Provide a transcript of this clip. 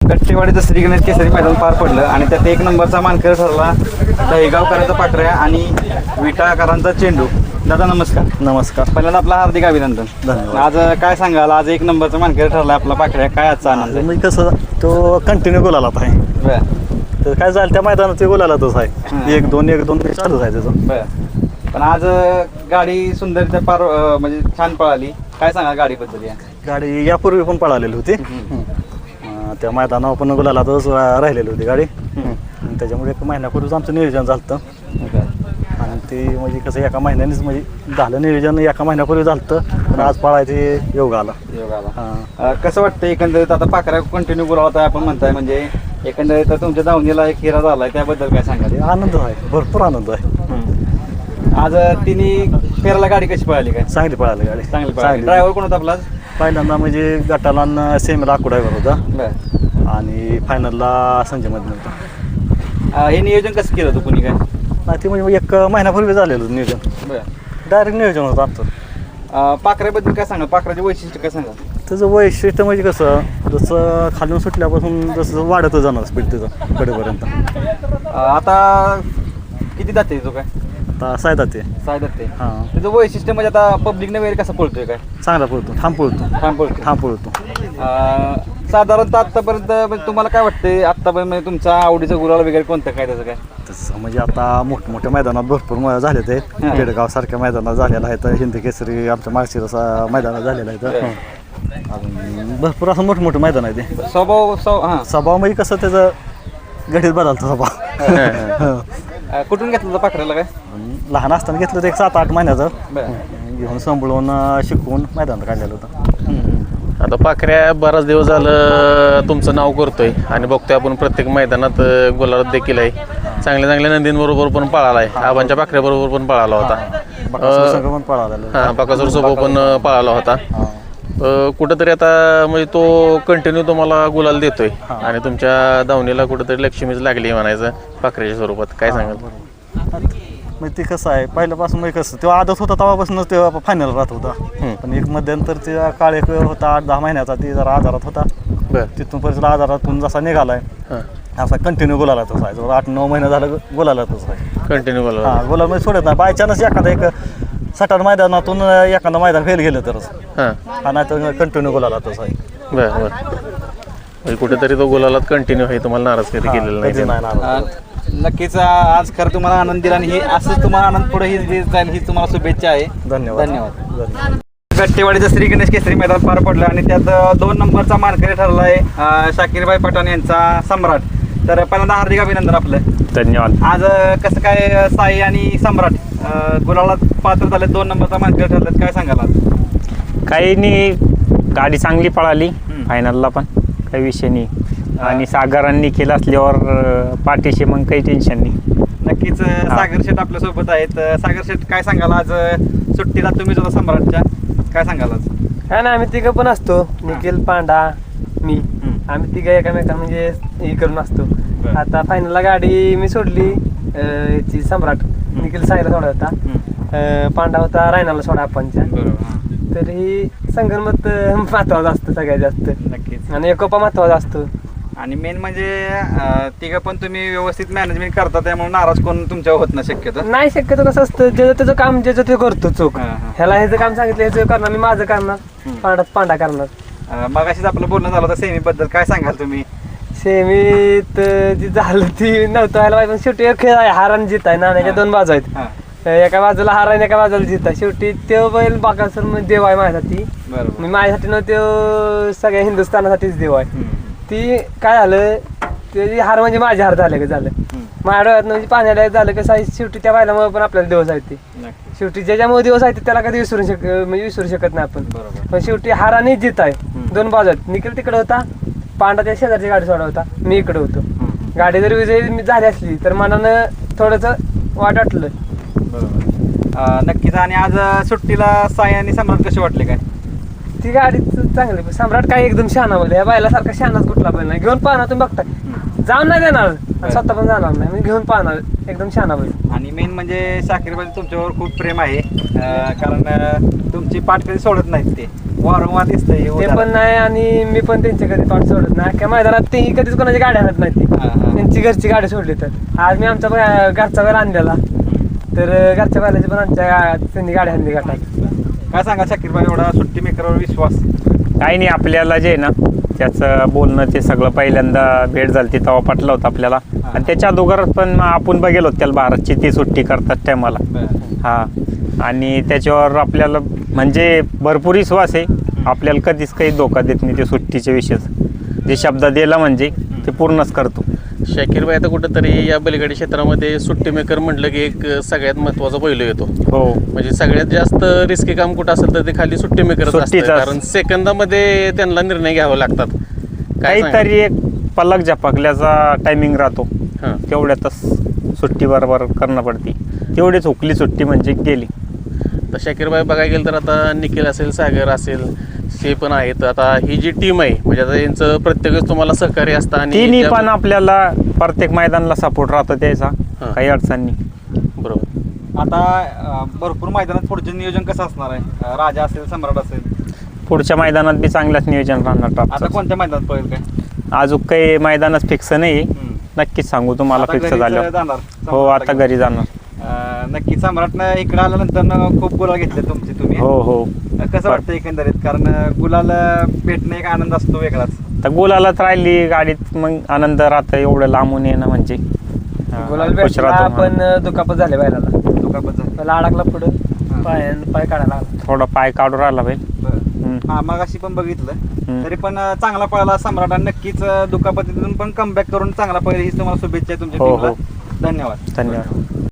कट्टेवाडीचं श्री गणेश केसरी मैदान पार पडलं आणि त्यात 1 नंबरचा मानकरी ठरला दहीगावकरांचा पाकऱ्या आणि विटाकरांचा चेंडू. दादा नमस्कार. नमस्कार. पहिल्यांदा आपलं हार्दिक अभिनंदन. धन्यवाद. आज काय सांगाल, आज 1 नंबरचा मानकरी ठरला आपला पाकऱ्या, काय आजचा आनंद? मी कसं तो कंटिन्यू गोलालाच आहे. बरं तर काय झालं त्या मैदानात ते गोलालातच आहे. 1-2 चालूच आहे त्याचं. बरं. पण आज गाडी सुंदरच्या पार म्हणजे छान पळाली, काय सांगा गाडीबद्दल? या गाडी यापूर्वी पण पळालेली होती. त्या मैदानावर पण गोलालातच राहिलेली होती गाडी. त्याच्यामुळे 1 महिन्यापूर्वीच आमचं नियोजन झालं आणि ते म्हणजे कसं एका महिन्यानेच म्हणजे झालं नियोजन, एका महिन्यापूर्वी झालं. पण आज पळायचे योग आला. कसं वाटतं एकंदरीत आता पाकऱ्या कंटिन्यू बोलावता आपण म्हणताय, म्हणजे एकंदरीत तुमच्या धावणीला एक हिरा झालाय, त्याबद्दल काय सांगाल? आनंद आहे, भरपूर आनंद आहे. आज तिने फेराला गाडी कशी पळाली? काय चांगली पळाली गाडी, चांगली पळाली. ड्रायव्हर कोण होता आपला? पहिल्यांदा म्हणजे गटाला सेमीला ड्रायव्हर होता आणि फायनलला संजय मध्ये होता. हे नियोजन कसं केलं होतं कुणी? काय नाही ते म्हणजे 1 महिन्यापूर्वी झालेलं होतं नियोजन. डायरेक्ट नियोजन होतं आमचं. पाकऱ्याबद्दल काय सांगा, पाकऱ्याचे वैशिष्ट्य काय सांगा? त्याचं वैशिष्ट्य म्हणजे कसं, जसं खालून सुटल्यापासून जसं वाढतच जाणार स्पीड त्याचं कडेपर्यंत. आता किती जाते तो? काय आता 6 जाते. 6 जाते. हां, त्याचं वैशिष्ट्य म्हणजे आता पब्लिकने वगैरे कसं पळतोय? काय चांगला पळतो, ठाम पळतो. साधारणतः आत्तापर्यंत म्हणजे तुम्हाला काय वाटतंय, आत्तापर्यंत म्हणजे तुमचा आवडीचा गुलाल वगैरे कोणतं काय त्याचं? काय तसं म्हणजे आता मोठमोठ्या मैदानात भरपूर झाले ते. केडगाव सारख्या मैदानात झालेलं आहे, तर हिंद केसरी आमच्या माळशिरस मैदानात झालेलं आहे. तर अजून भरपूर असं मोठमोठं मैदान आहे ते. स्वभाव म्हणजे कसं त्याचं गडीत बदलतो स्वभाव. कुठून घेतलं होतं पाकऱ्याला? काय लहान असताना घेतलं होतं, 7-8 महिन्याचं घेऊन सांभाळून शिकवून मैदानात काढलेलं होतं. आता पाखऱ्या बराच दिवस झालं तुमचं नाव करतोय आणि बघतोय आपण प्रत्येक मैदानात गुलाल देखील आहे. चांगल्या नंदींबरोबर पण पळाला आहे, आबांच्या पाखऱ्याबरोबर पण पळाला होता, बकासूर सोबत पण पळाला होता. कुठंतरी आता म्हणजे तो कंटिन्यू तुम्हाला गुलाल देतोय आणि तुमच्या धावणीला कुठंतरी लक्ष्मीच लागली म्हणायचं पाखऱ्याच्या स्वरूपात. काय सांगाल? म्हणजे ते कसं आहे, पहिल्यापासून म्हणजे कसं तेव्हा आदत होता तेव्हापासून तेव्हा फायनल राहत होता. पण एक मध्यंतर ते काळ एक होता 8-10 महिन्याचा, ती जरा आजारात होता. तिथून परत आजारातून जसा निघालाय असा कंटिन्यू गुलालातच आहे. 8-9 महिने झालं गुलालातच आहे कंटिन्यू गुलाल. गुलाल म्हणजे सोडत नाही. बाय चान्स एखादा 60 मैदानातून एखादं मैदान फेल गेलं तरच, नाही तर कंटिन्यू गुलालातच आहे. बरं. कुठेतरी तो गुलालात कंटिन्यू आहे, तुम्हाला नाराज कधी केलेला नाही. नक्कीच आज खरं तुम्हाला आनंद दिला आणि हे असंच तुम्हाला आनंद पुढे ही जाईल ही तुम्हाला शुभेच्छा आहे. धन्यवाद. गट्टेवाडीचं श्री गणेश केसरी मैदान पार पडलं आणि त्यात 2 नंबरचा मानकरी ठरला आहे शाकीरभाई पठाण यांचा सम्राट. तर पहिल्यांदा हार्दिक अभिनंदन आपलं. धन्यवाद. आज कसं काय साई आणि सम्राट गुलाला पात्र झाले, 2 नंबरचा मानकरी ठरलेत, काय सांगाल आज? काही नाही, गाडी चांगली पळाली फायनलला पण, काही विषय नाही. आणि सागरांनी केलं असल्यावर पाठीशी मग काही टेन्शन नाही. नक्कीच. सागर शेठ आपल्यासोबत आहेत. सागर शेठ काय सांगाल, आज सुट्टीला तुम्हीच होता सम्राटच्या, काय सांगाल आज? काय ना, आम्ही तिघं पण असतो, निखिल, पांडा, मी, आम्ही तिघं एकामेका म्हणजे हे करून असतो. आता फायनलला गाडी मी सोडली याची सम्राट, निखिल साईला सोडा होता, पांडा होता रायनाला सोडा आपणच्या. तर ही संगणमत महत्वाचं असतं सगळ्यात जास्त. नक्कीच. आणि एकोपा महत्वाचा असतो. आणि मेन म्हणजे तिघं पण तुम्ही व्यवस्थित मॅनेजमेंट करता, त्यामुळे नाराज कोण तुमच्यावर होत नाही शक्यतो. नाही, शक्यतो कसं असतं, ज्याचं त्याचं काम ज्याचं ते करतो चोख. ह्याला ह्याचं काम सांगितलं ह्याचं करणार, मी माझं करणार, पांडा करणार. मग अशीच आपलं बोलणं झालं होतं सेमी बद्दल, काय सांगाल तुम्ही? सेमीत जी झालं ती नव्हतं व्हायला पाहिजे, पण शेवटी एक खेळ आहे, हार आणि जीत आहे, नाण्याच्या 2 बाजू आहेत. एका बाजूला हार आहे, एका बाजूला जीत आहे. शेवटी तो बैल बाकासूर म्हणजे देव आहे माझ्यासाठी. मी माझ्यासाठी न तो सगळ्या हिंदुस्थानासाठीच देव आहे. ती काय झालं, त्याची हार म्हणजे माझी हार झालं का झालं, माझ्या डोळ्यात म्हणजे पाण्याला झालं कसं आहे. शेवटी त्या बैलामुळे पण आपल्याला दिवस आहेत, ते शेवटी ज्याच्यामुळे दिवस आहेत त्याला कधी विसरू शकत नाही आपण. पण शेवटी हार आणि जीत आहे, 2 बाजू आहेत. निखिल तिकडे होता, पांडा त्या शेजारची गाडी सोडा होता, मी इकडे होतो. गाडी जर विजयी झाली असली तर मनानं थोडंसं वाट वाटलं. नक्कीच. आणि आज सुट्टीला साई आणि सम्राट कसे वाटले? काय ती गाडी चांगली, सम्राट काय एकदम शहाणा बैल, या बैलासारखा शहाणाच कुठला बैल नाही. घेऊन पाहणार तुम्ही बघताय, जाऊन नाही देणार आणि स्वतः पण जाणार नाही, मी घेऊन पाहणार, एकदम शहाणा बैल. आणि मेन म्हणजे शाकीरबाई तुमच्यावर खूप प्रेम आहे, कारण तुमची पाठ कधी सोडत नाहीत ते. वारंवार दिसतंय हे ते पण नाही आणि मी पण त्यांची कधी पाठ सोडत नाही अख्ख्या मैदानात ते कधीच कोणाची गाडी आणत नाही ती त्यांची घरची गाडी सोडली तर आज मी आमचा घरचा बैल आणलेला तर घरच्या बैलाची पण आमच्या त्यांनी गाडी आणली गटात. काय सांगा शाकीर भाई एवढा सुट्टी मेकरवर विश्वास? काही नाही, आपल्याला जे आहे ना त्याचं बोलणं ते सगळं पहिल्यांदा भेट झाली ती तेव्हा पटलं होतं आपल्याला. आणि त्याच्या अगोदर पण आपण बघेलो त्याला भारतची ती सुट्टी करतात टायमाला. हा, आणि त्याच्यावर आपल्याला म्हणजे भरपूर विश्वास आहे. आपल्याला कधीच काही धोका देत नाही ते सुट्टीचे विषय. जे शब्द दिला म्हणजे ते पूर्णच करतो. शाकीर भाई आता कुठंतरी या बैलगाडी क्षेत्रामध्ये सुट्टी मेकर म्हटलं की एक सगळ्यात महत्वाचा पैलू येतो. हो, म्हणजे सगळ्यात जास्त रिस्की काम कुठं असेल तर ते खाली सुट्टी मेकरच असतं, सुट्टीच कारण सेकंदामध्ये त्यांना निर्णय घ्यावे लागतात. काय काहीतरी एक पलक झपकल्याचा टायमिंग राहतो, हां. तेवढ्यातच सुट्टी बरोबर करणं पडते. तेवढीच हुकली सुट्टी म्हणजे गेली. तर शाकीर भाई बघायला गेलं तर आता निखिल असेल, सागर असेल, हे पण आहेत. आता ही जी टीम आहे म्हणजे आता यांचं प्रत्येकच तुम्हाला सहकार्य असतं आणि तिन्ही पण आपल्याला प्रत्येक मैदानाला सपोर्ट राहतो त्याचा, हां. काही अडचण नाही. बरोबर. आता भरपूर मैदानात पुढचं नियोजन कसं असणार आहे? राजा असेल, सम्राट असेल, पुढच्या मैदानात बी चांगलंच नियोजन राहणार आता टॉपचं. कोणत्या मैदानात पळेल काय? अजून काही मैदानच फिक्स नाही, नक्कीच सांगू तुम्हाला आता फिक्स घरीच झाल्यावर. जाणार हो, आता घरी जाणार. नक्की सम्राटनं इकडे आल्यानंतर खूप गुलाल घेतले तुम्ही. हो हो, कसं वाटतं एकंदरीत? कारण गुलाल भेटणं एक आनंद असतो वेगळाच. तर गुलालात राहिली गाडीत मग आनंद राहतं. एवढं लांबून येणं म्हणजे गुलाल खुश भेटला राहतो. पण दुखापत झाले बैलाला. दुखापत झाली. पहिला अडकला पुढं पाय काढायला लागला. थोडा पाय काढून राहिला बैल. हा, मग अशी पण बघितलं हम्म. तरी पण चांगला पळाला सम्राट आणि नक्कीच दुखापतीतून पण कमबॅक करून चांगला पळेल हीच तुम्हाला शुभेच्छा आहे तुमच्या हो, टीमला. हो. धन्यवाद. धन्यवाद.